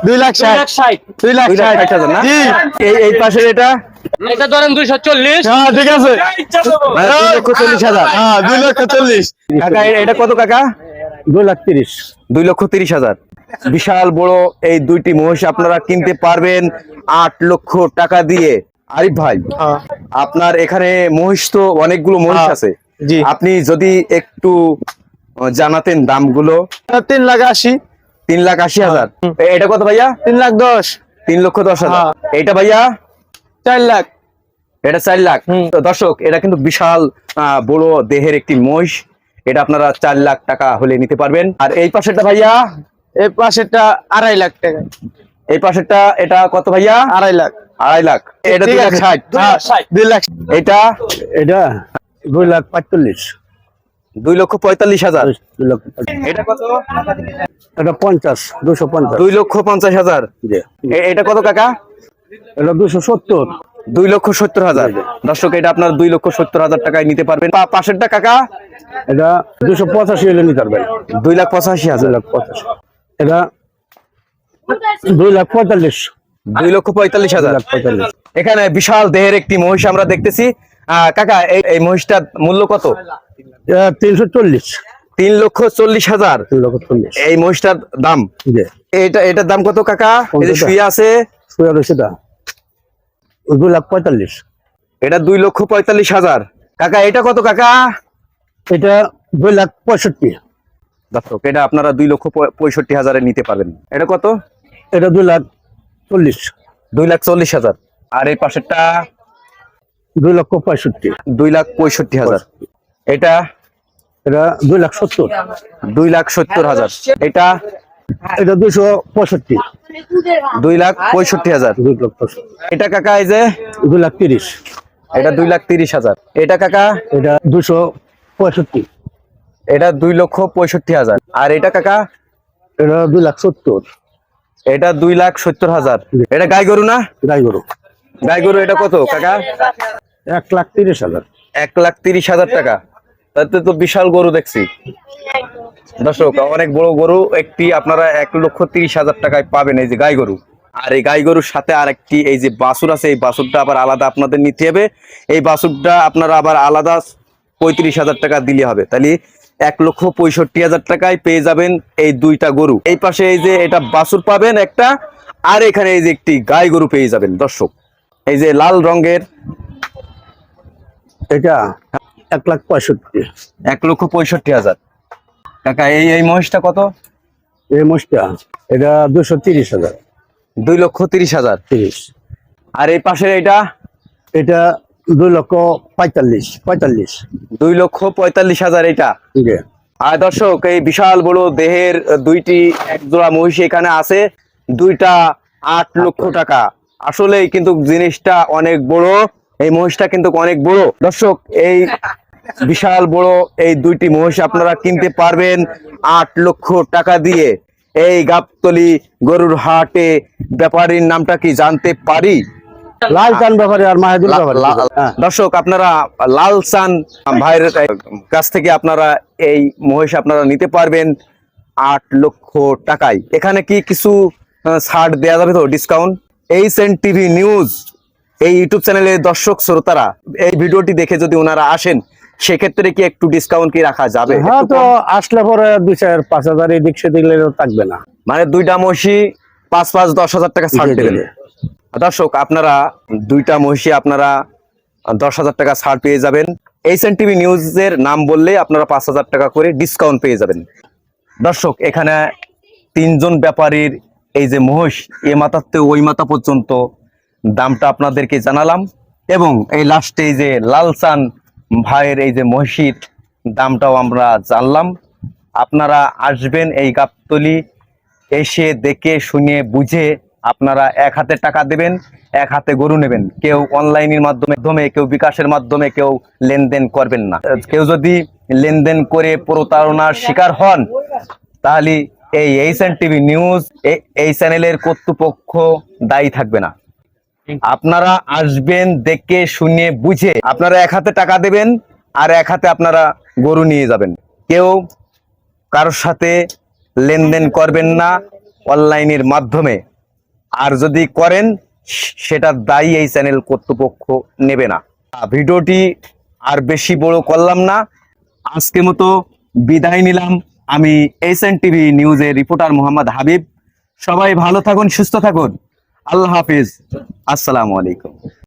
2,60,000 2,60,000 না? এই পাশের এটা এটা ধরেন 240। হ্যাঁ ঠিক আছে 2,40,000। হ্যাঁ 2,40,000 কাকা এটা কত কাকা? 2,30,000 2,30,000। বিশাল বড় এই দুইটি মহিষ আপনারা কিনতে পারবেন 8 লক্ষ টাকা দিয়ে। আরিফ ভাই, আপনার এখানে মহিষ তো অনেকগুলো মহিষ আছে, জি। আপনি যদি একটু জানাতেন দামগুলো। 3,80,000 3,80,000। এটা কত ভাইয়া? 3,10,000 3,10,000। এটা ভাইয়া 4 লাখ। এটা 4 লাখ। তো দর্শক, এটা কিন্তু বিশাল বড় দেহের একটি মহিষ, এটা আপনারা 4 লাখ টাকা হলে নিতে পারবেন। আর এই পাশেরটা ভাইয়া? এই পাশেরটা 2.5 লাখ টাকা। এই পাশেরটা এটা কত ভাইয়া? 2.5 লাখ। 2.5 লাখ। এটা 2,60,000। 2 লাখ। এটা 2,45,000 2,45,000। 2 লাখ। এটা কত? এটা 250,000 2,50,000। এটা কত কাকা? এটা 270 2,70,000। দর্শক, এটা আপনার 2,70,000 টাকায় নিতে পারবেন। পাশেরটা কাকা? এটা 285 হলে নিতে পারবেন। 2,85,000। 285। এটা 2,45,000 2,45,000। এখানে বিশাল দেহের একটি মহিষ আমরা দেখতেছি। কাকা, এই মহিষটার মূল্য কত? 340। 3,40,000 340। এই মহিষটার দাম। এটার দাম কত কাকা? এই যে শুয়ে আছে, সেটা 2,45,000। এটা 2,45,000। কাকা এটা কত কাকা? এটা 2,65,000। দর্শক, এটা আপনারা 2,65,000 নিতে পারবেন। এটা কত? এটা 2,40,000। 2,40,000। আর এই পাশেরটা 2,65,000। 2,65,000। এটা এটা 2,70,000। 2,70,000। এটা 265,000। 2,65,000। 2,65,000। এটা কাকা এই যে 2,30,000। এটা 2,30,000। এটা কাকা? এটা 265,000। এটা 2,65,000। আর এটা কাকা? এটা 2,70,000। এটা 2,70,000। এটা গাই গরু না? গাই গরু। গাই গরু এটা কত কাকা? 1,30,000। 1,30,000 টাকা। তাতে তো বিশাল গরু দেখছি। দর্শক, অনেক বড় গরু একটি আপনারা 1,30,000 টাকায় পাবেন, এই যে গাই গরু। আর এই গাই গরুর সাথে আর একটি এই যে বাছুর আছে, এই বাছুরটা আবার আলাদা আপনাদের নিতে হবে। এই বাছুরটা আপনারা আবার আলাদা 35,000 টাকা দিলে হবে। তাহলে 1,65,000 টাকায় পেয়ে যাবেন এই দুইটা গরু। এই পাশে এই যে এটা বাছুর পাবেন একটা, আর এখানে এই যে একটি গাই গরু পেয়ে যাবেন। দর্শক, এই যে লাল রঙের, এটা 1,65,000। 1,65,000 কাকা। এই মহিষটা কত? এই মোষটা এটা 230,000। 2,30,000। 30। আর এই পাশের এটা? এটা 2,45,000। 2,45,000 এটা। আর দর্শক, এই বিশাল বড় দেহের দুইটি এক জোড়া মহিষ এখানে আছে, দুইটা 8 লক্ষ টাকা। আসলেই কিন্তু জিনিসটা অনেক বড়, এই মহিষটা কিন্তু অনেক বড়। দর্শক, এই বিশাল বড় এই দুইটি মহিষ আপনারা কিনতে পারবেন 8 লক্ষ টাকা দিয়ে। এই গাবতলী গরুর হাটে ব্যাপারীর নামটা কি জানতে পারি? লালচান ব্যাপারে আর মাহিদুল ব্যাপারে। দর্শক, আপনারা লালচান ভাইয়ের কাছ থেকে আপনারা এই মহিষ আপনারা নিতে পারবেন 8 লক্ষ টাকায়। এখানে কি কিছু ছাড় দেওয়া যাবে তো, ডিসকাউন্ট? এইচএন টিভি নিউজ এই ইউটিউব চ্যানেলের দর্শক শ্রোতারা এই ভিডিওটি দেখে যদি ওনারা আসেন, সেক্ষেত্রে কি একটু ডিসকাউন্ট কি রাখা যাবে? হ্যাঁ, তো আসলে পরে 2,000-5,000 এদিক সেদিক থাকবে না। মানে দুইটা মহিষী 5,000-10,000 টাকা ছাড় দেবেন। দর্শক, আপনারা দুইটা মহিষী আপনারা 10,000 টাকা ছাড় পেয়ে যাবেন। এইচএন টিভি নিউজের নাম বললে আপনারা 5,000 টাকা করে ডিসকাউন্ট পেয়ে যাবেন। দর্শক, এখানে 3 জন ব্যাপারীর এই যে মহিষ, এ মাথাতে ওই মাথা পর্যন্ত দামটা আপনাদেরকে জানালাম, এবং এই লাস্টে এই যে লালচান ভাইয়ের এই যে মহিষীর দামটাও আমরা জানলাম। আপনারা আসবেন এই গাবতলী, এসে দেখে শুনে বুঝে আপনারা এক হাতে টাকা দেবেন, এক হাতে গরু নেবেন। কেউ অনলাইনের মাধ্যমে, কেউ বিকাশের মাধ্যমে কেউ লেনদেন করবেন না। কেউ যদি লেনদেন করে প্রতারণার শিকার হন, তাহলে এই এইচএন টিভি নিউজ এই চ্যানেলের কর্তৃপক্ষ দায়ী থাকবে না। আপনারা আসবেন দেখে শুনে বুঝে, আপনারা এক হাতে টাকা দেবেন আর এক হাতে আপনারা গরু নিয়ে যাবেন। কেউ কারোর সাথে লেনদেন করবেন না অনলাইনের মাধ্যমে। আর যদি করেন সেটার দায়ী এই চ্যানেল কর্তৃপক্ষ নেবে না। ভিডিওটি আর বেশি বড় করলাম না, আজকে মতো বিদায় নিলাম। আমি এসএন টিভি নিউজের রিপোর্টার মোহাম্মদ হাবিব। সবাই ভালো থাকুন, সুস্থ থাকুন। আল্লাহ হাফিজ, আসসালামু আলাইকুম।